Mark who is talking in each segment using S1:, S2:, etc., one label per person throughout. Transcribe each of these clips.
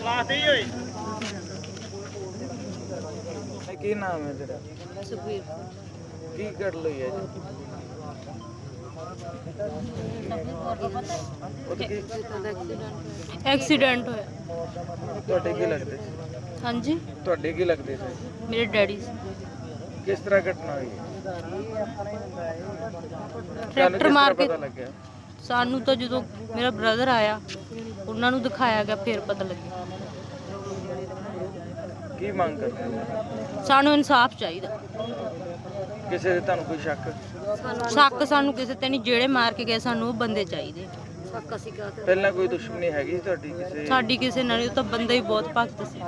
S1: ਕੀ ਨਾਮ ਹੈ ਤੇਰਾ?
S2: ਸੁਖਵੀਰ
S1: ਕੀ ਕਰ ਲਈ ਹੈ ਜੀ?
S2: ਐਕਸੀਡੈਂਟ ਹੋਇਆ।
S1: ਤੁਹਾਡੇ ਕੀ ਲੱਗਦੇ ਸੀ?
S2: ਹਾਂਜੀ,
S1: ਤੁਹਾਡੇ ਕੀ ਲੱਗਦੇ ਸੀ?
S2: ਮੇਰੇ ਡੈਡੀ
S1: ਕਿਸ ਤਰ੍ਹਾਂ ਘਟਨਾ ਹੋਈ?
S2: ਟਰੈਕਟਰ ਮਾਰ ਕੇ
S1: ਪਤਾ ਲੱਗਿਆ?
S2: ਸਾਨੂੰ ਤਾਂ ਜਦੋਂ ਮੇਰਾ ਬ੍ਰਦਰ ਆਇਆ ਉਹਨਾਂ ਨੂੰ ਦਿਖਾਇਆ ਗਿਆ ਫਿਰ ਪਤਾ ਲੱਗਿਆ।
S1: ਕੀ ਮੰਗ ਕਰਦੇ ਹੋ?
S2: ਸਾਨੂੰ ਇਨਸਾਫ ਚਾਹੀਦਾ।
S1: ਕਿਸੇ ਦੇ ਤੁਹਾਨੂੰ ਕੋਈ ਸ਼ੱਕ?
S2: ਸ਼ੱਕ ਸਾਨੂੰ ਕਿਸੇ ਤੇ ਨਹੀਂ, ਜਿਹੜੇ ਮਾਰ ਕੇ ਗਏ ਸਾਨੂੰ ਉਹ ਬੰਦੇ ਚਾਹੀਦੇ।
S1: ਪਹਿਲਾਂ ਕੋਈ ਦੁਸ਼ਮਣੀ ਹੈਗੀ ਤੁਹਾਡੀ ਕਿਸੇ?
S2: ਸਾਡੀ ਕਿਸੇ ਨਾਲ ਨਹੀਂ, ਉਹ ਤਾਂ ਬੰਦਾ ਹੀ ਬਹੁਤ ਭਗਤ ਸੀ।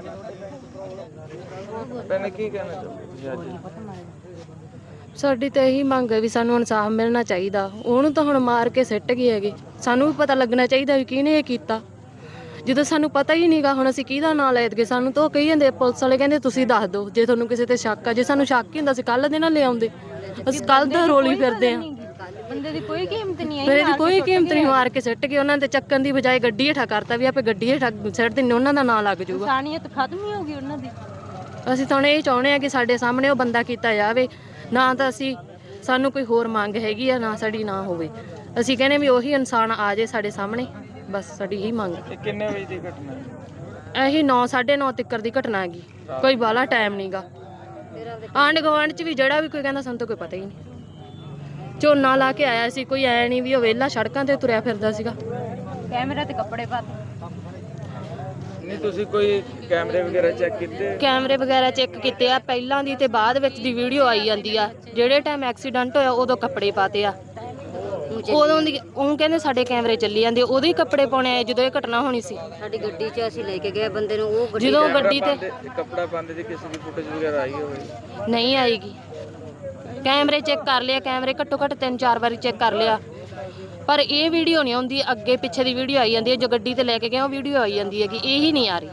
S1: ਪਹਿਲਾਂ ਕੀ ਕਹਿਣਾ ਚਾਹੁੰਦੇ ਤੁਸੀਂ ਅੱਜ?
S3: ਸਾਡੀ ਤਾਂ ਇਹੀ ਮੰਗ ਹੈ ਵੀ ਸਾਨੂੰ ਇਨਸਾਫ ਮਿਲਣਾ ਚਾਹੀਦਾ। ਉਹਨੂੰ ਤਾਂ ਹੁਣ ਮਾਰ ਕੇ ਸਿੱਟ ਗਏ ਹੈਗੇ, ਸਾਨੂੰ ਵੀ ਪਤਾ ਲੱਗਣਾ ਚਾਹੀਦਾ ਵੀ ਕਿਹਨੇ ਇਹ ਕੀਤਾ। ਜਦੋਂ ਸਾਨੂੰ ਪਤਾ ਹੀ ਨਹੀਂਗਾ ਹੁਣ ਅਸੀਂ ਕਿਹਦਾ ਨਾਂ ਲੈ ਦਈਏ। ਸਾਨੂੰ ਤਾਂ ਉਹ ਕਹੀ ਜਾਂਦੇ, ਪੁਲਿਸ ਵਾਲੇ ਕਹਿੰਦੇ ਤੁਸੀਂ ਦੱਸ ਦਿਓ ਜੇ ਤੁਹਾਨੂੰ ਕਿਸੇ ਤੇ ਸ਼ੱਕ ਆ। ਜੇ ਸਾਨੂੰ ਸ਼ੱਕ ਹੀ ਹੁੰਦਾ ਸੀ ਕੱਲ੍ਹ ਦੇ ਨਾਲ ਲਿਆਉਂਦੇ, ਅਸੀਂ ਕੱਲ੍ਹ ਦਾ ਰੋਲੀ ਫਿਰਦੇ ਆ।
S2: ਬੰਦੇ ਦੀ ਕੋਈ ਕੀਮਤ ਨਹੀਂ ਹੈ,
S3: ਫਿਰ ਇਹਦੀ ਕੋਈ ਕੀਮਤ ਨਹੀਂ। ਮਾਰ ਕੇ ਸਿੱਟ ਗਏ। ਉਹਨਾਂ ਦੇ ਚੱਕਣ ਦੀ ਬਜਾਏ ਗੱਡੀ ਹੇਠਾਂ ਕਰਤਾ ਵੀ ਆਪੇ ਗੱਡੀ ਹੇਠਾਂ ਸਿੱਟ ਦਿੰਦੇ, ਉਹਨਾਂ ਦਾ ਨਾਂ ਲੱਗ ਜਾਊਗਾ।
S2: ਇਨਸਾਨੀਅਤ ਖਤਮ ਹੀ ਹੋ ਗਈ ਉਹਨਾਂ ਦੀ।
S3: ਅਸੀਂ ਤਾਂ ਹੁਣ ਇਹ ਚਾਹੁੰਦੇ ਆ ਕਿ ਸਾਡੇ ਸਾਹਮਣੇ ਉਹ ਬੰਦਾ ਕੀਤਾ ਜਾਵੇ। ਨਾ ਤਾਂ ਸਾਨੂੰ ਕੋਈ ਹੋਰ ਮੰਗ ਹੈਗੀ ਆ, ਨਾ ਸਾਡੀ ਨਾ ਹੋਵੇ। ਅਸੀਂ ਕਹਿੰਦੇ ਵੀ ਉਹੀ ਇਨਸਾਨ ਆ ਜਾਏ ਸਾਡੇ ਸਾਹਮਣੇ, ਬਸ ਸਾਡੀ ਇਹੀ ਮੰਗ।
S1: ਇਹ ਕਿੰਨੇ ਵਜੇ ਦੀ ਘਟਨਾ ਹੈ?
S3: ਇਹੀ 9:30 ਤੱਕ ਦੀ ਘਟਨਾ ਹੈਗੀ, ਕੋਈ ਬਾਹਲਾ ਟਾਈਮ ਨਹੀਂਗਾ। ਆਂਢ ਗੁਆਂਢ 'ਚ ਵੀ ਜਿਹੜਾ ਵੀ ਕੋਈ ਕਹਿੰਦਾ ਸਾਨੂੰ ਤਾਂ ਕੋਈ ਪਤਾ ਹੀ ਨਹੀਂ। ਝੋਨਾ ਲਾ ਕੇ ਆਇਆ ਸੀ, ਕੋਈ ਐ ਨਹੀਂ ਵੀ ਉਹ ਵਿਹਲਾ ਸੜਕਾਂ ਤੇ ਤੁਰਿਆ ਫਿਰਦਾ ਸੀਗਾ।
S2: ਕੈਮਰੇ ਤੇ ਕੱਪੜੇ ਪਾ
S1: ਨਹੀਂ ਤੁਸੀਂ ਕੋਈ ਕੈਮਰੇ ਵਗੈਰਾ ਚੈੱਕ ਕੀਤੇ?
S3: ਕੈਮਰੇ ਵਗੈਰਾ ਚੈੱਕ ਕੀਤੇ ਆ, ਪਹਿਲਾਂ ਦੀ ਤੇ ਬਾਅਦ ਵਿੱਚ ਦੀ ਵੀਡੀਓ ਆਈ ਜਾਂਦੀ ਆ। ਜਿਹੜੇ ਟਾਈਮ ਐਕਸੀਡੈਂਟ ਹੋਇਆ ਉਦੋਂ ਕੱਪੜੇ ਪਾਤੇ ਆ, ਉਦੋਂ ਦੀ ਉਹ ਕਹਿੰਦੇ ਸਾਡੇ ਕੈਮਰੇ ਚੱਲੀ ਜਾਂਦੇ, ਉਦੋਂ ਹੀ ਕੱਪੜੇ ਪਾਉਣੇ ਆਏ ਜਦੋਂ ਇਹ ਘਟਨਾ ਹੋਣੀ ਸੀ।
S2: ਸਾਡੀ ਗੱਡੀ 'ਚ ਅਸੀਂ ਲੈ ਕੇ ਗਏ ਬੰਦੇ ਨੂੰ, ਉਹ
S3: ਜਦੋਂ ਗੱਡੀ ਤੇ
S1: ਕੱਪੜਾ ਪਾਉਂਦੇ ਜੀ ਕਿਸੇ ਦੀ ਫੁਟੇਜ ਵਗੈਰਾ ਆਈ ਹੋਵੇ?
S3: ਨਹੀਂ ਆਏਗੀ। ਕੈਮਰੇ ਚੈੱਕ ਕਰ ਲਿਆ, ਕੈਮਰੇ ਘੱਟੋ ਘੱਟ 3-4 ਵਾਰੀ ਚੈੱਕ ਕਰ ਲਿਆ, ਪਰ ਇਹ ਵੀਡੀਓ ਨਹੀਂ ਆਉਂਦੀ। ਅੱਗੇ ਪਿੱਛੇ ਦੀ ਵੀਡੀਓ ਆਈ ਜਾਂਦੀ ਹੈ, ਜੋ ਗੱਡੀ ਤੇ ਲੈ ਕੇ ਗਏ ਉਹ ਵੀਡੀਓ ਆਈ ਜਾਂਦੀ ਹੈ ਕਿ ਇਹੀ ਨਹੀਂ ਆ ਰਹੀ।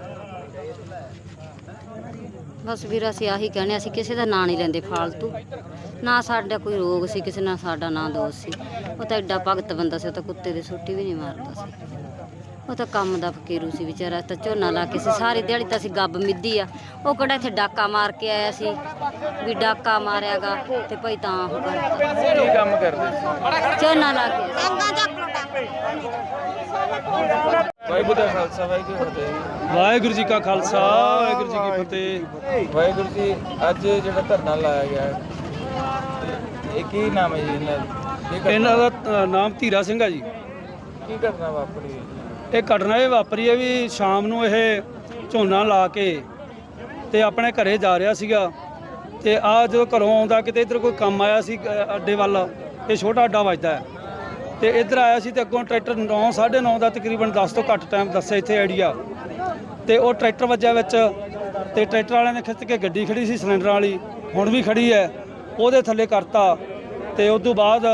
S2: ਬਸ ਵੀਰ ਅਸੀਂ ਆਹੀ ਕਹਿੰਦੇ, ਅਸੀਂ ਕਿਸੇ ਦਾ ਨਾਂ ਨਹੀਂ ਲੈਂਦੇ ਫਾਲਤੂ। ਨਾ ਸਾਡਾ ਕੋਈ ਰੋਗ ਸੀ ਕਿਸੇ ਨਾਲ, ਸਾਡਾ ਨਾ ਦੋਸ਼ ਸੀ। ਉਹ ਤਾਂ ਐਡਾ ਭਗਤ ਬੰਦਾ ਸੀ, ਉਹ ਤਾਂ ਕੁੱਤੇ ਦੀ ਸੋਟੀ ਵੀ ਨਹੀਂ ਮਾਰਦਾ ਸੀ। ਉਹ ਤਾਂ ਕੰਮ ਦਾ ਫਕੀਰੂ ਸੀ ਵਿਚਾਰਾ। ਤਾਂ ਝੋਨਾ ਲਾ ਕੇ ਸੀ ਸਾਰੀ ਦਿਹਾੜੀ ਤਾਂ ਅਸੀਂ ਗੱਬ ਮਿੱਧੀ ਆ। ਉਹ ਕਿਹੜਾ ਇੱਥੇ ਡਾਕਾ ਮਾਰ ਕੇ ਆਇਆ ਸੀ ਵੀ ਡਾਕਾ ਮਾਰਿਆਗਾ ਤੇ ਭਾਈ ਤਾਂ ਉਹ ਕਰਤਾ।
S1: ਕੀ ਕੰਮ ਕਰਦੇ ਸੀ?
S2: ਝੋਨਾ ਲਾ ਕੇ।
S1: ਵਾਹਿਗੁਰੂ ਦਾ ਖਾਲਸਾ ਵਾਹਿਗੁਰੂ ਜੀ ਕੀ ਫਤਿਹ।
S4: ਵਾਹਿਗੁਰੂ ਜੀ ਕਾ ਖਾਲਸਾ ਵਾਹਿਗੁਰੂ ਜੀ ਕੀ ਫਤਿਹ।
S1: ਵਾਹਿਗੁਰੂ ਜੀ, ਅੱਜ ਜਿਹੜਾ ਧਰਨਾ ਲਾਇਆ ਗਿਆ ਹੈ, ਇਹ ਕੀ ਨਾਮ ਹੈ ਜੀ ਇਹਨਾਂ ਦਾ?
S4: ਇਹਨਾਂ ਦਾ ਨਾਮ ਧੀਰਾ ਸਿੰਘ ਆ ਜੀ।
S1: ਕੀ ਘਟਨਾ ਵਾਪਰੀ ਹੈ ਜੀ?
S4: ਇਹ ਘਟਨਾ ਇਹ ਵਾਪਰੀ ਹੈ ਵੀ ਸ਼ਾਮ ਨੂੰ ਇਹ ਝੋਨਾ ਲਾ ਕੇ ਤੇ ਆਪਣੇ ਘਰੇ ਜਾ ਰਿਹਾ ਸੀਗਾ। ਤੇ ਆ ਜਦੋਂ ਘਰੋਂ ਆਉਂਦਾ ਕਿਤੇ ਇੱਧਰ ਕੋਈ ਕੰਮ ਆਇਆ ਸੀ ਅੱਡੇ ਵੱਲ, ਇਹ ਛੋਟਾ ਅੱਡਾ ਵੱਜਦਾ ਹੈ, ਤੇ ਇੱਧਰ ਆਇਆ ਸੀ ਤੇ ਅੱਗੋਂ ਟਰੈਕਟਰ 9:30 ਦਾ ਤਕਰੀਬਨ 10 ਤੋਂ ਘੱਟ ਟਾਈਮ ਦੱਸਿਆ ਇੱਥੇ ਆਈਡੀਆ, ਤੇ ਉਹ ਟਰੈਕਟਰ ਵੱਜਿਆ ਵਿੱਚ। ਤੇ ਟਰੈਕਟਰ ਵਾਲਿਆਂ ਨੇ ਖਿੱਚ ਕੇ ਗੱਡੀ ਖੜੀ ਸੀ ਸਿਲੰਡਰ ਵਾਲੀ, ਹੁਣ ਵੀ ਖੜੀ ਹੈ, ਉਹਦੇ ਥੱਲੇ ਕਰਤਾ। ਤੇ ਉਸ ਤੋਂ ਬਾਅਦ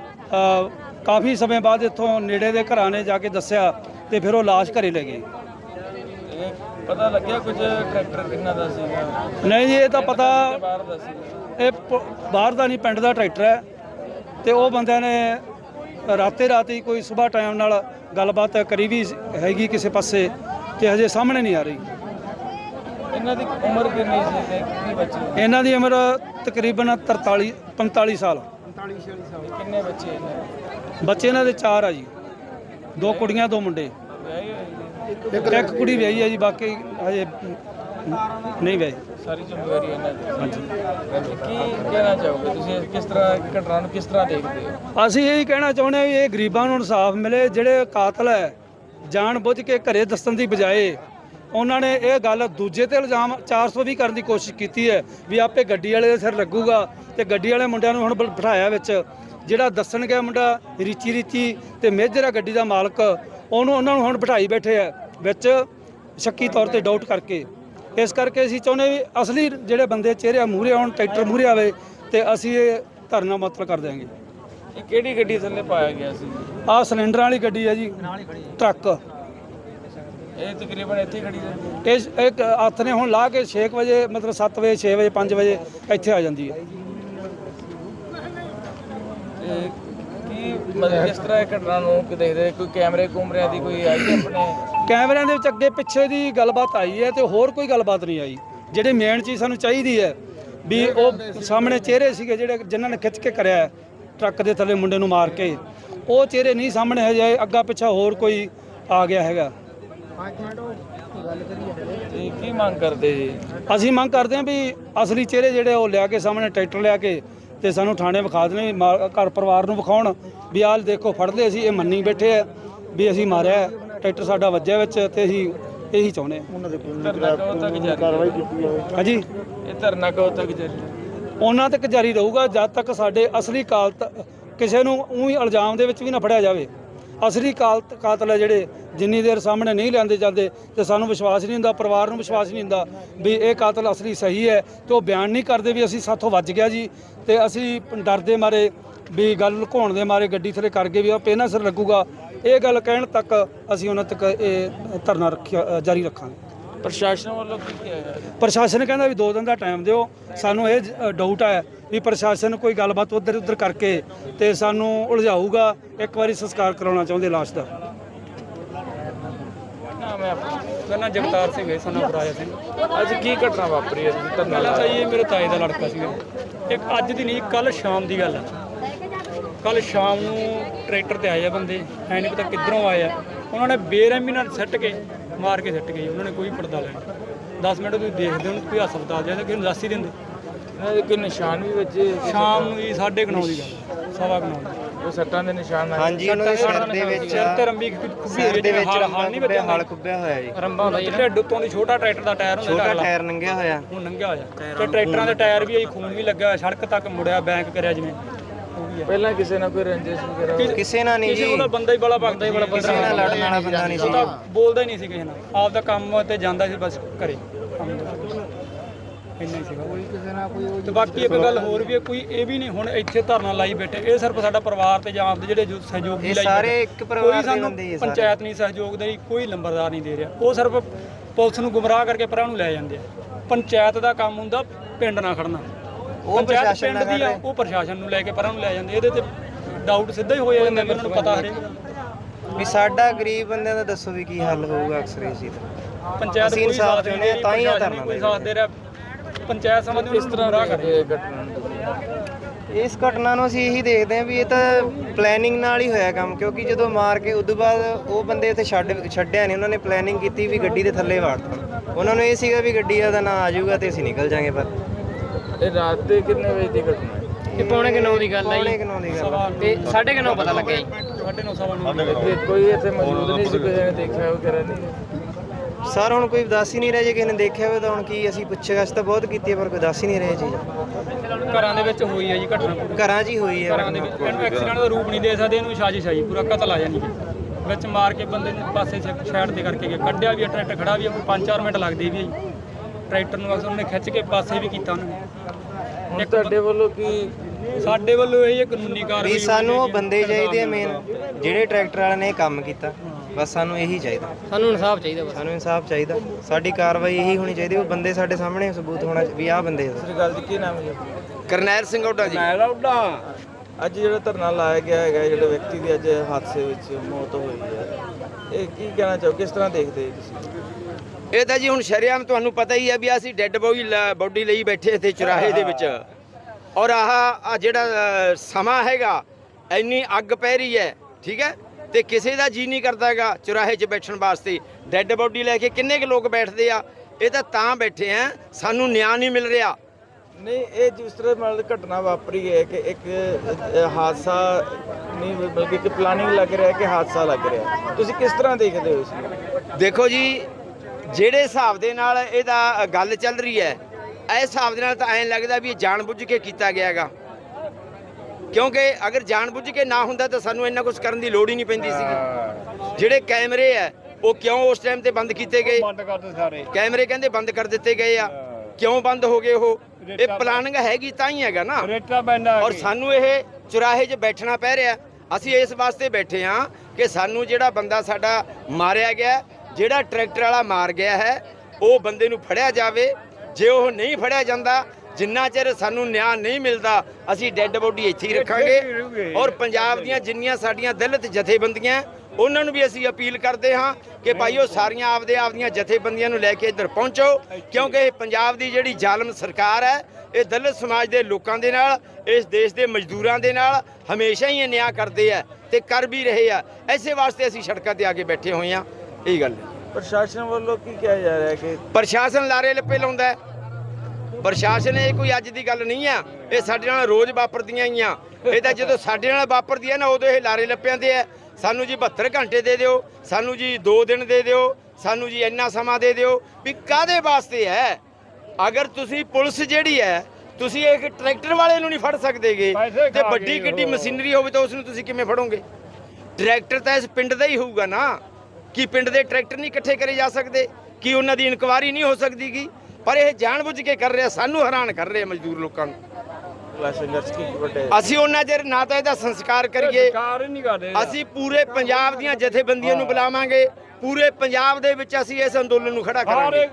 S4: ਕਾਫੀ ਸਮੇਂ ਬਾਅਦ ਇੱਥੋਂ ਨੇੜੇ ਦੇ ਘਰਾਂ ਨੇ ਜਾ ਕੇ ਦੱਸਿਆ ਤੇ ਫਿਰ ਉਹ ਲਾਸ਼ ਘਰੇ ਲੈ ਗਏ।
S1: ਇਹ ਪਤਾ ਲੱਗਿਆ ਕੁਝ ਟਰੈਕਟਰ ਕਿੰਨਾ ਦਾ ਸੀਗਾ?
S4: ਨਹੀਂ ਜੀ, ਇਹ ਤਾਂ ਪਤਾ
S1: ਬਾਹਰ ਦਾ ਸੀ?
S4: ਇਹ ਬਾਹਰ ਦਾ ਨਹੀਂ, ਪਿੰਡ ਦਾ ਟਰੈਕਟਰ ਹੈ। ਤੇ ਉਹ ਬੰਦਿਆਂ ਨੇ ਰਾਤੀ ਕੋਈ ਸਵੇਰ ਟਾਈਮ ਨਾਲ ਗੱਲਬਾਤ ਕਰੀ ਵੀ ਹੈਗੀ ਕਿਸੇ ਪਾਸੇ, ਤੇ ਹਜੇ ਸਾਹਮਣੇ ਨਹੀਂ ਆ ਰਹੀ।
S1: ਇਹਨਾਂ ਦੀ ਉਮਰ ਕਿੰਨੀ ਸੀ ਤੇ ਕੀ ਬੱਚੇ?
S4: ਇਹਨਾਂ ਦੀ ਉਮਰ ਤਕਰੀਬਨ 45 ਸਾਲ।
S1: ਕਿੰਨੇ ਬੱਚੇ ਇਹਨਾਂ ਦੇ?
S4: ਬੱਚੇ ਇਹਨਾਂ ਦੇ 4 ਆ ਜੀ, 2 ਕੁੜੀਆਂ 2 ਮੁੰਡੇ।
S1: ਵਿਆਹੇ ਹੋਏ ਜੀ?
S4: ਇੱਕ ਕੁੜੀ ਵਿਆਹੀ ਹੈ ਜੀ, ਬਾਕੀ ਹਜੇ ਨਹੀਂ ਵਿਆਹੀ।
S1: ਸਾਰੀ ਜ਼ਿੰਮੇਵਾਰੀ ਇਹਨਾਂ ਦੀ?
S4: ਹਾਂਜੀ।
S1: ਕੀ ਕਹਿਣਾ ਚਾਹੋਗੇ ਤੁਸੀਂ, ਕਿਸ ਤਰ੍ਹਾਂ ਘਟਨਾ ਨੂੰ ਕਿਸ ਤਰ੍ਹਾਂ ਦੇਖਦੇ ਹੋ?
S4: ਅਸੀਂ ਇਹੀ ਕਹਿਣਾ ਚਾਹੁੰਦੇ ਹਾਂ ਵੀ ਇਹ ਗਰੀਬਾਂ ਨੂੰ ਇਨਸਾਫ ਮਿਲੇ। ਜਿਹੜੇ ਕਾਤਲ ਹੈ ਜਾਣ ਬੁੱਝ ਕੇ ਘਰੇ ਦੱਸਣ ਦੀ ਬਜਾਏ ਉਹਨਾਂ ਨੇ ਇਹ ਗੱਲ ਦੂਜੇ ਤੇ ਇਲਜ਼ਾਮ 420 ਕਰਨ ਦੀ ਕੋਸ਼ਿਸ਼ ਕੀਤੀ ਹੈ ਵੀ ਆਪੇ ਗੱਡੀ ਵਾਲੇ ਦੇ ਸਿਰ ਲੱਗੂਗਾ। ਤੇ ਗੱਡੀ ਵਾਲੇ ਮੁੰਡਿਆਂ ਨੂੰ ਹੁਣ ਬਿਠਾਇਆ ਵਿੱਚ, ਜਿਹੜਾ ਦੱਸਣ ਗਿਆ ਮੁੰਡਾ ਰੀਚੀ ਤੇ ਮੇਜਰ ਆ ਗੱਡੀ ਦਾ ਮਾਲਕ, ਉਹਨਾਂ ਨੂੰ ਹੁਣ ਬਿਠਾਈ ਬੈਠੇ ਆ ਵਿੱਚ ਸ਼ੱਕੀ ਤੌਰ ਤੇ ਡਾਊਟ ਕਰਕੇ। ਇਸ ਕਰਕੇ ਅਸੀਂ ਚਾਹੁੰਦੇ ਵੀ ਅਸਲੀ ਜਿਹੜੇ ਬੰਦੇ ਚਿਹਰੇ ਮੂਹਰੇ ਆਉਣ, ਟਰੈਕਟਰ ਮੂਹਰੇ ਆਵੇ, ਤੇ ਅਸੀਂ ਇਹ ਧਰਨਾ ਮੁਅੱਤਲ ਕਰ ਦਿਆਂਗੇ।
S1: ਇਹ ਕਿਹੜੀ ਗੱਡੀ ਥੱਲੇ ਪਾਇਆ ਗਿਆ ਸੀ?
S4: ਆਹ ਸਿਲੰਡਰ ਵਾਲੀ ਗੱਡੀ ਹੈ ਜੀ, ਟਰੱਕ।
S1: ਇਹ ਤਕਰੀਬਨ ਇੱਥੇ ਖੜੀ ਸੀ?
S4: ਇਹ ਇੱਕ ਹੱਥ ਨੇ ਹੁਣ ਲਾ ਕੇ 6 ਵਜੇ, ਮਤਲਬ 7 ਵਜੇ, 6 ਵਜੇ, 5 ਵਜੇ ਇੱਥੇ ਆ ਜਾਂਦੀ ਹੈ।
S1: ਕੀ ਮਤਲਬ ਕਿਸ ਤਰ੍ਹਾਂ ਇਹ ਘਟਨਾ ਨੂੰ ਦੇਖਦੇ? ਕੋਈ ਕੈਮਰਿਆਂ ਦੀ ਕੋਈ ਆਈ ਆਪਣੇ
S4: ਕੈਮਰਿਆਂ ਦੇ ਵਿੱਚ ਅੱਗੇ ਪਿੱਛੇ ਦੀ ਗੱਲਬਾਤ ਆਈ ਹੈ ਤੇ ਹੋਰ ਕੋਈ ਗੱਲਬਾਤ ਨਹੀਂ ਆਈ। ਜਿਹੜੀ ਮੇਨ ਚੀਜ਼ ਸਾਨੂੰ ਚਾਹੀਦੀ ਹੈ ਵੀ ਉਹ ਸਾਹਮਣੇ ਚਿਹਰੇ ਸੀਗੇ ਜਿਹੜੇ ਜਿਨ੍ਹਾਂ ਨੇ ਖਿੱਚ ਕੇ ਕਰਿਆ ਹੈ, ਟਰੱਕ ਦੇ ਥੱਲੇ ਮੁੰਡੇ ਨੂੰ ਮਾਰ ਕੇ, ਉਹ ਚਿਹਰੇ ਨਹੀਂ ਸਾਹਮਣੇ ਹਜੇ, ਅੱਗਾ ਪਿੱਛਾ ਹੋਰ ਕੋਈ ਆ ਗਿਆ ਹੈਗਾ।
S1: ਤੇ ਕੀ ਮੰਗ ਕਰਦੇ ਜੀ?
S4: ਅਸੀਂ ਮੰਗ ਕਰਦੇ ਹਾਂ ਵੀ ਅਸਲੀ ਚਿਹਰੇ ਜਿਹੜੇ ਉਹ ਲਿਆ ਕੇ ਸਾਹਮਣੇ ਟਰੈਕਟਰ ਲਿਆ ਕੇ ਤੇ ਸਾਨੂੰ ਥਾਣੇ ਵਿਖਾ ਦੇਣ, ਘਰ ਪਰਿਵਾਰ ਨੂੰ ਵਿਖਾਉਣ ਵੀ ਆਹ ਦੇਖੋ ਫੜਦੇ ਅਸੀਂ, ਇਹ ਮੰਨੀ ਬੈਠੇ ਆ ਵੀ ਅਸੀਂ ਮਾਰਿਆ, ਟਰੈਕਟਰ ਸਾਡਾ ਵੱਜਿਆ ਵਿੱਚ, ਤੇ ਅਸੀਂ ਇਹੀ ਚਾਹੁੰਦੇ ਹਾਂ।
S1: ਧਰਨਾ ਕਦੋਂ ਤੱਕ ਜਾਰੀ
S4: ਹਾਂਜੀ,
S1: ਇਹ ਧਰਨਾ ਕਦੋਂ ਤੱਕ ਜਾਰੀ?
S4: ਉਹਨਾਂ ਤੱਕ ਜਾਰੀ ਰਹੂਗਾ ਜਦ ਤੱਕ ਸਾਡੇ ਅਸਲੀ ਕਿਸੇ ਨੂੰ ਉਹੀ ਇਲਜ਼ਾਮ ਦੇ ਵਿੱਚ ਵੀ ਨਾ ਫੜਿਆ ਜਾਵੇ। ਅਸਲੀ ਕਾਤਲ ਹੈ ਜਿਹੜੇ, ਜਿੰਨੀ ਦੇਰ ਸਾਹਮਣੇ ਨਹੀਂ ਲਿਆਂਦੇ ਜਾਂਦੇ ਤੇ ਸਾਨੂੰ ਵਿਸ਼ਵਾਸ ਨਹੀਂ ਹੁੰਦਾ, ਪਰਿਵਾਰ ਨੂੰ ਵਿਸ਼ਵਾਸ ਨਹੀਂ ਹੁੰਦਾ ਵੀ ਇਹ ਕਾਤਲ ਅਸਲੀ ਸਹੀ ਹੈ, ਤੇ ਉਹ ਬਿਆਨ ਨਹੀਂ ਕਰਦੇ ਵੀ ਅਸੀਂ ਸਾਥੋਂ ਵੱਜ ਗਿਆ ਜੀ, ਤੇ ਅਸੀਂ ਡਰਦੇ ਮਾਰੇ ਵੀ ਗੱਲ ਲੁਕਾਉਣ ਦੇ ਮਾਰੇ ਗੱਡੀ ਥੱਲੇ ਕਰ ਗਏ ਵੀ ਉਹ ਪਹਿਨਾ ਸਿਰ ਲੱਗੂਗਾ। ਇਹ ਗੱਲ ਕਹਿਣ ਤੱਕ ਅਸੀਂ ਉਹਨਾਂ ਤੱਕ ਇਹ ਧਰਨਾ ਜਾਰੀ ਰੱਖਾਂਗੇ।
S1: ਪ੍ਰਸ਼ਾਸਨ ਵੱਲੋਂ ਕੀ ਕਿਹਾ ਜਾ ਰਿਹਾ?
S4: ਪ੍ਰਸ਼ਾਸਨ ਕਹਿੰਦਾ ਵੀ 2 ਦਿਨ ਦਾ ਟਾਈਮ ਦਿਓ। ਸਾਨੂੰ ਇਹ ਡਾਊਟ ਹੈ ਵੀ ਪ੍ਰਸ਼ਾਸਨ ਕੋਈ ਗੱਲਬਾਤ ਉੱਧਰ ਕਰਕੇ ਤੇ ਸਾਨੂੰ ਉਲਝਾਊਗਾ। ਇੱਕ ਵਾਰੀ ਸੰਸਕਾਰ ਕਰਾਉਣਾ ਚਾਹੁੰਦੇ ਲਾਸ਼ ਦਾ।
S1: ਨਾਮ ਹੈ ਆਪਣਾ?
S5: ਮੇਰਾ ਨਾਮ ਜਗਤਾਰ ਸਿੰਘ ਹੈ, ਸਾਨੂੰ ਰਾਜਾ ਸਿੰਘ।
S1: ਅੱਜ ਕੀ ਘਟਨਾ ਵਾਪਰੀ ਹੈ ਤੁਸੀਂ ਧਰਨਾ
S5: ਪਹਿਲਾਂ ਤਾਂ
S1: ਲਾਇਆ?
S5: ਇਹ ਮੇਰੇ ਤਾਏ ਦਾ ਲੜਕਾ ਸੀਗਾ। ਇੱਕ ਅੱਜ ਦੀ ਨਹੀਂ, ਕੱਲ ਸ਼ਾਮ ਦੀ ਗੱਲ ਹੈ। ਕੱਲ ਸ਼ਾਮ ਨੂੰ ਟਰੈਕਟਰ ਤੇ ਆਏ ਆ ਬੰਦੇ, ਐ ਨਹੀਂ ਪਤਾ ਕਿੱਧਰੋਂ ਆਏ ਆ। ਉਹਨਾਂ ਨੇ ਬੇਰਹਿਮੀ ਨਾਲ ਸੱਟ ਕੇ ਮਾਰ ਕੇ ਸੱਟ ਗਏ। ਉਹਨਾਂ ਨੇ ਕੋਈ ਪਰਦਾ ਲੈਣਾ। 10 ਮਿੰਟ ਤੁਸੀਂ ਦੇਖਦੇ ਹੋ ਕੋਈ ਹਸਪਤਾਲ ਜਾਂਦਾ, ਕਿਸੇ ਨੂੰ ਦੱਸ ਹੀ ਦਿੰਦੇ।
S1: ਇਹਨਾਂ ਦੇ ਕੋਈ ਨਿਸ਼ਾਨ ਵੀ ਵੱਜੇ?
S5: ਸ਼ਾਮ ਨੂੰ ਜੀ 9:30 ਦੀ ਗੱਲ, 9:15
S1: ਉਹ ਸੱਟਾਂ ਦੇ ਨਿਸ਼ਾਨ ਆ?
S6: ਹਾਂਜੀ, ਉਹਨਾਂ ਦੇ ਸਿਰ ਦੇ ਵਿੱਚ
S5: ਸਿਰ ਤੇ ਰੰਬੀ
S6: ਸਿਰ ਦੇ ਵਿੱਚ
S5: ਹਾਲ ਨਹੀਂ ਵੱਜਿਆ,
S6: ਹਲ ਖੁੱਬਿਆ ਹੋਇਆ ਜੀ।
S5: ਰੰਬਾ ਹੁੰਦਾ ਜੀ, ਢਿੱਡ ਉੱਤੋਂ ਦੀ ਛੋਟਾ ਟਰੈਕਟਰ ਦਾ ਟਾਇਰ ਹੁੰਦਾ
S6: ਛੋਟਾ
S5: ਅਗਲਾ,
S6: ਟਾਇਰ ਨੰਗਿਆ ਹੋਇਆ।
S5: ਹੁਣ ਨੰਗਿਆ ਹੋਇਆ ਤੇ ਟਰੈਕਟਰਾਂ ਦੇ ਟਾਇਰ ਵੀ ਆਈ, ਖੂਨ ਵੀ ਲੱਗਾ ਹੋਇਆ, ਸੜਕ ਤੱਕ ਮੁੜਿਆ, ਬੈਂਕ ਕਰਿਆ ਜਿਵੇਂ ਉਹ ਵੀ ਹੈ।
S1: ਪਹਿਲਾਂ ਕਿਸੇ ਨਾਲ ਕੋਈ ਰੰਜਿਸ਼ ਵਗੈਰਾ?
S6: ਕਿਸੇ ਨਾਲ ਨਹੀਂ
S5: ਕਿਸੇ
S6: ਜੀ,
S5: ਉਹਦਾ ਬੰਦਾ ਹੀ ਬੜਾ ਭਗਦਾ ਹੀ ਬੜਾ
S6: ਕਿਸੇ ਨਾਲ ਲੜਨ ਵਾਲਾ ਬੰਦਾ ਨਹੀਂ ਸੀ।
S5: ਉਹ ਤਾਂ ਬੋਲਦਾ ਹੀ ਨਹੀਂ ਸੀ ਕਿਸੇ ਨਾਲ, ਆਪ ਦਾ ਕੰਮ ਤੇ ਜਾਂਦਾ ਸੀ ਬਸ ਘਰੇ ਕੰਮ ਤੋਂ। ਇੰਨਾ ਹੀ ਸੀਗਾ ਕਿਸੇ ਨਾਲ ਕੋਈ। ਤੇ ਬਾਕੀ ਇੱਕ ਗੱਲ ਹੋਰ ਵੀ ਹੈ, ਕੋਈ ਇਹ ਵੀ ਨਹੀਂ ਹੁਣ ਇੱਥੇ ਧਰਨਾ ਲਾਈ ਬੈਠੇ, ਇਹ ਸਿਰਫ ਸਾਡਾ ਪਰਿਵਾਰ ਤੇ ਜਾਂ ਆਪਦੇ ਜਿਹੜੇ ਸਹਿਯੋਗੀ
S6: ਇਹ
S5: ਲਾਈ
S6: ਸਾਰੇ
S5: ਬੈਠੇ।
S6: ਇੱਕ ਪਰਿਵਾਰ
S5: ਕੋਈ
S6: ਦੇ
S5: ਸਾਨੂੰ
S6: ਬੰਦੇ ਹੀ ਆ ਸਾਰੇ।
S5: ਪੰਚਾਇਤ ਨਹੀਂ ਸਹਿਯੋਗ ਦੇ ਰਹੀ, ਕੋਈ ਲੰਬਰਦਾਰ ਨਹੀਂ ਦੇ ਰਿਹਾ। ਉਹ ਸਿਰਫ ਪੁਲਿਸ ਨੂੰ ਗੁੰਮਰਾਹ ਕਰਕੇ ਪਰਾਂ ਨੂੰ ਲੈ ਜਾਂਦੇ ਆ। ਪੰਚਾਇਤ ਦਾ ਕੰਮ ਹੁੰਦਾ ਪਿੰਡ ਨਾਲ ਖੜਨਾ,
S6: ਉਹ
S5: ਪੰਚਾਇਤ
S6: ਪ੍ਰਸ਼ਾਸਨ
S5: ਪਿੰਡ
S6: ਨਾਲ
S5: ਦੀ ਆ, ਉਹ ਪ੍ਰਸ਼ਾਸਨ ਨੂੰ ਲੈ ਕੇ ਪਰਾਂ ਨੂੰ ਲੈ ਜਾਂਦੇ। ਇਹਦੇ ਤੇ ਡਾਊਟ ਸਿੱਧਾ ਹੀ ਹੋ ਜਾਂਦਾ ਵੀ ਉਹਨਾਂ ਨੂੰ ਪਤਾ ਹਰੇ
S6: ਵੀ ਸਾਡਾ ਗਰੀਬ ਬੰਦਿਆਂ ਦਾ ਦੱਸੋ ਵੀ ਕੀ ਹੱਲ ਹੋਊਗਾ। ਅਕਸਰ ਇਸੇ ਤਰ੍ਹਾਂ
S5: ਪੰਚਾਇਤ
S6: ਅਸੀਂ
S5: ਕੋਈ
S6: ਇਨਸਾਫ
S5: ਸਾਥ
S6: ਚਾਹੁੰਦੇ ਹਾਂ, ਤਾਂ ਹੀ
S5: ਪ੍ਰਸ਼ਾਸਨ
S6: ਧਰਨਾ
S5: ਕੋਈ ਸਾਥ ਦੇ ਰਿਹਾ। ਪੰਚਾਇਤ ਸਮਝਦੀ
S1: ਕਿਸ ਤਰ੍ਹਾਂ
S5: ਗੁੰਮਰਾਹ
S1: ਦੇਖਦੇ
S5: ਕਰੇ।
S1: ਇਹ ਘਟਨਾ ਨੂੰ?
S6: ਇਸ ਘਟਨਾ ਨੂੰ ਅਸੀਂ ਇਹੀ ਦੇਖਦੇ ਹਾਂ ਵੀ ਇਹ ਤਾਂ ਪਲੈਨਿੰਗ ਨਾਲ ਹੀ ਹੋਇਆ ਕੰਮ, ਕਿਉਂਕਿ ਜਦੋਂ ਮਾਰ ਕੇ ਉਦੋਂ ਬਾਅਦ ਉਹ ਬੰਦੇ ਉੱਥੇ ਛੱਡਿਆ ਨਹੀਂ। ਉਹਨਾਂ ਨੇ ਪਲੈਨਿੰਗ ਕੀਤੀ ਵੀ ਗੱਡੀ ਦੇ ਥੱਲੇ ਵਾੜਤਾ। ਉਹਨਾਂ ਨੂੰ ਇਹ ਸੀਗਾ ਵੀ ਗੱਡੀ ਦਾ ਨਾਂ ਆ ਜਾਊਗਾ ਤੇ ਅਸੀਂ ਨਿਕਲ ਜਾਾਂਗੇ। ਪਰ
S1: ਇਹ ਰਾਤ ਦੇ ਕਿੰਨੇ ਵਜੇ ਦੀ ਘਟਨਾ ਹੈ?
S3: ਇਹ ਪੌਣੇ 9 ਦੀ ਗੱਲ
S6: ਪੌਣੇ 9 ਦੀ ਗੱਲ ਆ।
S3: ਤੇ 9:30 ਪਤਾ ਲੱਗਿਆ ਜੀ।
S5: 9:30
S1: ਇੱਥੇ ਕੋਈ ਇੱਥੇ ਮੌਜੂਦ ਨਹੀਂ ਸੀ, ਕਿਸੇ ਨੇ ਦੇਖਿਆ ਵਗੈਰਾ ਨਹੀਂ?
S6: ਸਰ ਹੁਣ ਕੋਈ ਦੱਸ ਹੀ ਨਹੀਂ ਰਿਹਾ। ਜੇ ਕਿਸੇ ਨੇ ਦੇਖਿਆ ਹੋਵੇ ਤਾਂ ਹੁਣ ਕੀ ਅਸੀਂ ਪੁੱਛਗਛ ਤਾਂ ਬਹੁਤ ਕੀਤੀ ਹੈ, ਪਰ ਕੋਈ ਦੱਸ ਹੀ ਨਹੀਂ ਰਿਹਾ ਇਹ ਚੀਜ਼।
S5: ਘਰਾਂ ਦੇ ਵਿੱਚ ਹੋਈ ਹੈ ਜੀ ਘਟਨਾ ਪੂਰੀ।
S6: ਘਰਾਂ 'ਚ ਹੀ ਹੋਈ ਹੈ
S5: ਘਰਾਂ ਦੇ ਵਿੱਚ ਇਹਨੂੰ ਐਕਸੀਡੈਂਟ ਦਾ ਰੂਪ ਨਹੀਂ ਦੇ ਸਕਦੇ, ਇਹਨੂੰ ਸਾਜ਼ਿਸ਼ ਆਈ ਪੂਰਾ ਕਤਲ ਆ ਜਾਣੀ ਵਿੱਚ ਮਾਰ ਕੇ ਬੰਦੇ ਨੂੰ ਪਾਸੇ ਸਾਈਡ ਤੇ ਕਰਕੇ ਗਿਆ। ਕੱਢਿਆ ਵੀ ਟਰੈਕਟਰ ਖੜਾ ਵੀ 5-4 ਮਿੰਟ ਲੱਗਦੇ ਵੀ ਆ ਜੀ ਟਰੈਕਟਰ ਨੂੰ। ਅਕਸਰ ਉਹਨੇ ਖਿੱਚ ਕੇ ਪਾਸੇ ਵੀ ਕੀਤਾ ਉਹਨਾਂ ਨੇ।
S1: ਹੁਣ ਤੁਹਾਡੇ ਵੱਲੋਂ ਕੀ?
S5: ਸਾਡੇ ਵੱਲੋਂ ਇਹ ਕਾਨੂੰਨੀ ਕਾਰਵਾਈ
S6: ਵੀ ਸਾਨੂੰ ਉਹ ਬੰਦੇ ਚਾਹੀਦੇ ਆ ਮੇਨ, ਜਿਹੜੇ ਟਰੈਕਟਰ ਵਾਲਿਆਂ ਨੇ ਇਹ ਕੰਮ ਕੀਤਾ। ਬਸ ਸਾਨੂੰ ਇਹੀ ਚਾਹੀਦਾ,
S3: ਸਾਨੂੰ ਇਨਸਾਫ ਚਾਹੀਦਾ ਬਸ।
S6: ਸਾਨੂੰ ਇਨਸਾਫ ਚਾਹੀਦਾ। ਸਾਡੀ ਕਾਰਵਾਈ ਇਹੀ ਹੋਣੀ ਚਾਹੀਦੀ। ਉਹ ਬੰਦੇ ਸਾਡੇ ਸਾਹਮਣੇ ਸਬੂਤ ਹੋਣਾ ਵੀ ਆਹ ਬੰਦੇ ਆ।
S1: ਦੂਸਰੀ ਗੱਲ ਦੀ ਕੀ ਨਾਮ ਹੈ?
S7: ਕਰਨੈਲ ਸਿੰਘ ਉੱਡਾ ਜੀ।
S1: ਅੱਜ ਜਿਹੜਾ ਧਰਨਾ ਲਾਇਆ ਗਿਆ ਹੈਗਾ, ਜਿਹੜੇ ਵਿਅਕਤੀ ਦੀ ਅੱਜ ਹਾਦਸੇ ਵਿੱਚ ਮੌਤ ਹੋਈ ਹੈ, ਇਹ ਕੀ ਕਹਿਣਾ ਚਾਹੋ, ਕਿਸ ਤਰ੍ਹਾਂ ਦੇਖਦੇ ਤੁਸੀਂ?
S7: ਇਹ ਤਾਂ ਜੀ ਹੁਣ ਸ਼ਰੇਆਮ ਤੁਹਾਨੂੰ ਪਤਾ ਹੀ ਹੈ ਵੀ ਅਸੀਂ ਡੈੱਡ ਬੋਡੀ ਲਈ ਬੈਠੇ ਇੱਥੇ ਚੁਰਾਹੇ ਦੇ ਵਿੱਚ। ਔਰ ਆਹ ਜਿਹੜਾ ਸਮਾਂ ਹੈਗਾ, ਇੰਨੀ ਅੱਗ ਪੈ ਰਹੀ ਹੈ, ਠੀਕ ਹੈ, ਤੇ ਕਿਸੇ ਦਾ ਜੀ ਨਹੀਂ ਕਰਦਾ ਹੈਗਾ ਚੁਰਾਹੇ 'ਚ ਬੈਠਣ ਵਾਸਤੇ। ਡੈੱਡ ਬੋਡੀ ਲੈ ਕੇ ਕਿੰਨੇ ਕੁ ਲੋਕ ਬੈਠਦੇ ਆ? ਇਹ ਤਾਂ ਬੈਠੇ ਆ, ਸਾਨੂੰ ਨਿਆਂ ਨਹੀਂ ਮਿਲ ਰਿਹਾ।
S1: ਨਹੀਂ, ਇਹ ਜਿਸ ਤਰ੍ਹਾਂ ਮਤਲਬ ਘਟਨਾ ਵਾਪਰੀ ਹੈ ਕਿ ਇੱਕ ਹਾਦਸਾ ਨਹੀਂ ਬਲਕਿ ਇੱਕ ਪਲਾਨਿੰਗ ਲੱਗ ਰਿਹਾ ਕਿ ਹਾਦਸਾ ਲੱਗ ਰਿਹਾ, ਤੁਸੀਂ ਕਿਸ ਤਰ੍ਹਾਂ ਦੇਖਦੇ ਹੋ ਇਸ ਨੂੰ?
S7: ਦੇਖੋ ਜੀ, ਜਿਹੜੇ ਹਿਸਾਬ ਦੇ ਨਾਲ ਇਹਦਾ ਗੱਲ ਚੱਲ ਰਹੀ ਹੈ, ਇਸ ਹਿਸਾਬ ਦੇ ਨਾਲ ਤਾਂ ਐਂ ਲੱਗਦਾ ਵੀ ਇਹ ਜਾਣਬੁੱਝ ਕੇ ਕੀਤਾ ਗਿਆ ਹੈਗਾ। ਕਿਉਂਕਿ ਅਗਰ ਜਾਣਬੁੱਝ ਕੇ ਨਾ ਹੁੰਦਾ ਤਾਂ ਸਾਨੂੰ ਇੰਨਾ ਕੁਝ ਕਰਨ ਦੀ ਲੋੜ ਹੀ ਨਹੀਂ ਪੈਂਦੀ ਸੀਗੀ। ਜਿਹੜੇ ਕੈਮਰੇ ਹੈ ਉਹ ਕਿਉਂ ਉਸ ਟਾਈਮ ਤੇ ਬੰਦ ਕੀਤੇ ਗਏ? ਕੈਮਰੇ ਕਹਿੰਦੇ ਬੰਦ ਕਰ ਦਿੱਤੇ ਗਏ ਆ। ਕਿਉਂ ਬੰਦ ਹੋ ਗਏ ਉਹ? ਇਹ ਪਲਾਨਿੰਗ ਹੈਗੀ ਤਾਂ ਹੀ ਹੈਗਾ ਨਾ। ਔਰ ਸਾਨੂੰ ਇਹ ਚੁਰਾਹੇ 'ਚ ਬੈਠਣਾ ਪੈ ਰਿਹਾ। ਅਸੀਂ ਇਸ ਵਾਸਤੇ ਬੈਠੇ ਹਾਂ ਕਿ ਸਾਨੂੰ ਜਿਹੜਾ ਬੰਦਾ ਸਾਡਾ ਮਾਰਿਆ ਗਿਆ, ਜਿਹੜਾ ਟਰੈਕਟਰ ਵਾਲਾ ਮਾਰ ਗਿਆ ਹੈ, ਉਹ ਬੰਦੇ ਨੂੰ ਫੜਿਆ ਜਾਵੇ। ਜੇ ਉਹ ਨਹੀਂ ਫੜਿਆ ਜਾਂਦਾ, ਜਿੰਨਾ ਚਿਰ ਸਾਨੂੰ ਨਿਆਂ ਨਹੀਂ ਮਿਲਦਾ, ਅਸੀਂ ਡੈੱਡ ਬੋਡੀ ਇੱਥੇ ਹੀ ਰੱਖਾਂਗੇ। ਔਰ ਪੰਜਾਬ ਦੀਆਂ ਜਿੰਨੀਆਂ ਸਾਡੀਆਂ ਦਲਿਤ ਜਥੇਬੰਦੀਆਂ, ਉਹਨਾਂ ਨੂੰ ਵੀ ਅਸੀਂ ਅਪੀਲ ਕਰਦੇ ਹਾਂ ਕਿ ਭਾਈ ਉਹ ਸਾਰੀਆਂ ਆਪਦੀਆਂ ਜਥੇਬੰਦੀਆਂ ਨੂੰ ਲੈ ਕੇ ਇੱਧਰ ਪਹੁੰਚੋ, ਕਿਉਂਕਿ ਇਹ ਪੰਜਾਬ ਦੀ ਜਿਹੜੀ ਜ਼ਾਲਮ ਸਰਕਾਰ ਹੈ ਇਹ ਦਲਿਤ ਸਮਾਜ ਦੇ ਲੋਕਾਂ ਦੇ ਨਾਲ, ਇਸ ਦੇਸ਼ ਦੇ ਮਜ਼ਦੂਰਾਂ ਦੇ ਨਾਲ ਹਮੇਸ਼ਾ ਹੀ ਅਨਿਆਂ ਕਰਦੇ ਆ ਤੇ ਕਰ ਵੀ ਰਹੇ ਆ। ਐਸੇ ਵਾਸਤੇ ਅਸੀਂ ਸੜਕਾਂ ਤੇ ਆ ਕੇ ਬੈਠੇ ਹੋਏ ਹਾਂ। ਇਹ ਗੱਲ ਹੈ।
S1: ਪ੍ਰਸ਼ਾਸਨ ਵੱਲੋਂ ਕੀ ਕਿਹਾ ਜਾ ਰਿਹਾ ਕਿ
S7: ਪ੍ਰਸ਼ਾਸਨ ਲਾਰੇ ਲੱਪੇ ਲਾਉਂਦਾ ਹੈ। ਪ੍ਰਸ਼ਾਸਨ ਇਹ ਕੋਈ ਅੱਜ ਦੀ ਗੱਲ ਨਹੀਂ ਆ, ਇਹ ਸਾਡੇ ਨਾਲ ਰੋਜ਼ ਵਾਪਰਦੀਆਂ ਹੀ ਆ। ਇਹ ਤਾਂ ਜਦੋਂ ਸਾਡੇ ਨਾਲ ਵਾਪਰਦੀ ਹੈ ਨਾ ਉਦੋਂ ਇਹ ਲਾਰੇ ਲੱਪਿਆਂ ਦੇ ਆ। ਸਾਨੂੰ ਜੀ 72 ਘੰਟੇ ਦੇ ਦਿਓ, ਸਾਨੂੰ ਜੀ 2 ਦਿਨ ਦੇ ਦਿਓ, ਸਾਨੂੰ ਜੀ ਇੰਨਾ ਸਮਾਂ ਦੇ ਦਿਓ। ਵੀ ਕਾਹਦੇ ਵਾਸਤੇ ਹੈ? ਅਗਰ ਤੁਸੀਂ ਪੁਲਿਸ ਜਿਹੜੀ ਹੈ ਤੁਸੀਂ ਇੱਕ ਟਰੈਕਟਰ ਵਾਲੇ ਨੂੰ ਨਹੀਂ ਫੜ ਸਕਦੇਗੇ ਤੇ ਵੱਡੀ ਗੱਡੀ ਮਸ਼ੀਨਰੀ ਹੋਵੇ ਤਾਂ ਉਸ ਨੂੰ ਤੁਸੀਂ ਕਿਵੇਂ ਫੜੋਗੇ? ਟਰੈਕਟਰ ਤਾਂ ਇਸ ਪਿੰਡ ਦਾ ਹੀ ਹੋਊਗਾ ਨਾ। ਕੀ ਪਿੰਡ ਦੇ ਟਰੈਕਟਰ ਨਹੀਂ ਇਕੱਠੇ ਕਰੇ ਜਾ ਸਕਦੇ? ਕੀ ਉਹਨਾਂ ਦੀ ਇਨਕੁਆਇਰੀ ਨਹੀਂ ਹੋ ਸਕਦੀਗੀ? ਪਰ ਇਹ ਜਾਣਬੁੱਝ ਕੇ ਕਰ ਰਿਹਾ, ਸਾਨੂੰ ਹੈਰਾਨ ਕਰ ਰਿਹਾ ਮਜ਼ਦੂਰ ਲੋਕਾਂ ਨੂੰ।
S1: ਸੰਘਰਸ਼ ਕੀ ਵੱਡੇ
S7: ਅਸੀਂ ਉਹਨਾਂ ਚਿਰ ਨਾ ਤਾਂ ਇਹਦਾ ਸੰਸਕਾਰ ਕਰੀਏ, ਅਸੀਂ ਪੂਰੇ ਪੰਜਾਬ ਦੀਆਂ ਜਥੇਬੰਦੀਆਂ ਨੂੰ ਬੁਲਾਵਾਂਗੇ। ਪੂਰੇ ਪੰਜਾਬ ਦੇ ਵਿੱਚ ਅਸੀਂ ਇਸ ਅੰਦੋਲਨ ਨੂੰ ਖੜਾ ਕਰਾਂਗੇ।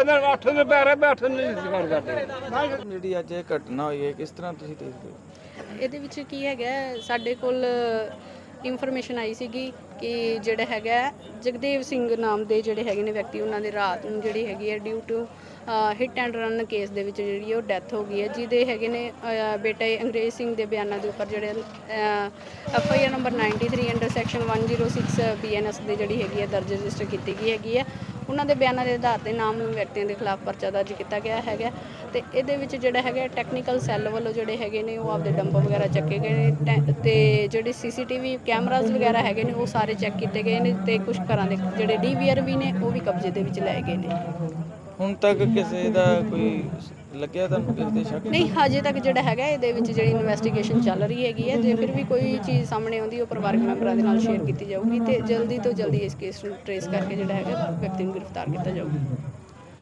S1: ਜਿਹੜੀ ਅੱਜ ਇਹ ਘਟਨਾ ਹੋਈ ਹੈ ਕਿਸ ਤਰ੍ਹਾਂ ਤੁਸੀਂ ਦੇਖਦੇ ਹੋ?
S8: ਇਹਦੇ ਵਿੱਚ ਕੀ ਹੈਗਾ, ਸਾਡੇ ਕੋਲ ਇਨਫੋਰਮੇਸ਼ਨ ਆਈ ਸੀਗੀ ਕਿ ਜਿਹੜਾ ਹੈਗਾ ਜਗਦੇਵ ਸਿੰਘ ਨਾਮ ਦੇ ਜਿਹੜੇ ਹੈਗੇ ਨੇ ਵਿਅਕਤੀ, ਉਹਨਾਂ ਦੇ ਰਾਤ ਨੂੰ ਜਿਹੜੀ ਹੈਗੀ ਹੈ due to hit and run case ਦੇ ਵਿੱਚ ਜਿਹੜੀ ਉਹ ਡੈਥ ਹੋ ਗਈ ਹੈ, ਜਿਹਦੇ ਹੈਗੇ ਨੇ ਬੇਟੇ ਅੰਗਰੇਜ਼ ਸਿੰਘ ਦੇ ਬਿਆਨਾਂ ਦੇ ਉੱਪਰ ਜਿਹੜੇ FIR number 93 under section 106 BNS ਦੇ ਜਿਹੜੀ ਹੈਗੀ ਹੈ ਦਰਜ ਰਜਿਸਟਰ ਕੀਤੀ ਗਈ ਹੈਗੀ ਹੈ। ਉਹਨਾਂ ਦੇ ਬਿਆਨਾਂ ਦੇ ਆਧਾਰ ਤੇ ਨਾਮਲੂਮ ਵਿਅਕਤੀਆਂ ਦੇ ਖਿਲਾਫ ਪਰਚਾ ਦਰਜ ਕੀਤਾ ਗਿਆ ਹੈਗਾ ਤੇ ਇਹਦੇ ਵਿੱਚ ਜਿਹੜਾ ਹੈਗਾ ਟੈਕਨੀਕਲ ਸੈੱਲ ਵੱਲੋਂ ਜਿਹੜੇ ਹੈਗੇ ਨੇ ਉਹ ਆਪਦੇ ਡੰਪ ਵਗੈਰਾ ਚੱਕੇ ਗਏ ਨੇ ਤੇ ਜਿਹੜੇ CCTV ਕੈਮਰਾਜ਼ ਵਗੈਰਾ ਹੈਗੇ ਨੇ ਉਹ ਸਾਰੇ ਚੈੱਕ ਕੀਤੇ ਗਏ ਨੇ ਤੇ ਕੁਝ ਘਰਾਂ ਦੇ ਜਿਹੜੇ DVR ਵੀ ਨੇ ਉਹ ਵੀ ਕਬਜ਼ੇ ਦੇ ਵਿੱਚ ਲਏ ਗਏ ਨੇ।
S1: ਹੁਣ ਤੱਕ ਕਿਸੇ ਦਾ ਕੋਈ ਲੱਗਿਆ ਤੁਹਾਨੂੰ ਕਿਸੇ ਦੇ ਸ਼ੱਕ?
S8: ਨਹੀਂ, ਹਜੇ ਤੱਕ ਜਿਹੜਾ ਹੈਗਾ ਇਹਦੇ ਵਿੱਚ ਜਿਹੜੀ ਇਨਵੈਸਟੀਗੇਸ਼ਨ ਚੱਲ ਰਹੀ ਹੈਗੀ ਹੈ। ਜੇ ਫਿਰ ਵੀ ਕੋਈ ਚੀਜ਼ ਸਾਹਮਣੇ ਆਉਂਦੀ ਉਹ ਪਰਿਵਾਰਕ ਮੈਂਬਰਾਂ ਦੇ ਨਾਲ ਸ਼ੇਅਰ ਕੀਤੀ ਜਾਊਗੀ ਤੇ ਜਲਦੀ ਤੋਂ ਜਲਦੀ ਇਸ ਕੇਸ ਨੂੰ ਟਰੇਸ ਕਰਕੇ ਜਿਹੜਾ ਹੈਗਾ ਵਿਅਕਤੀ ਨੂੰ ਗ੍ਰਿਫਤਾਰ ਕੀਤਾ ਜਾਊਗਾ।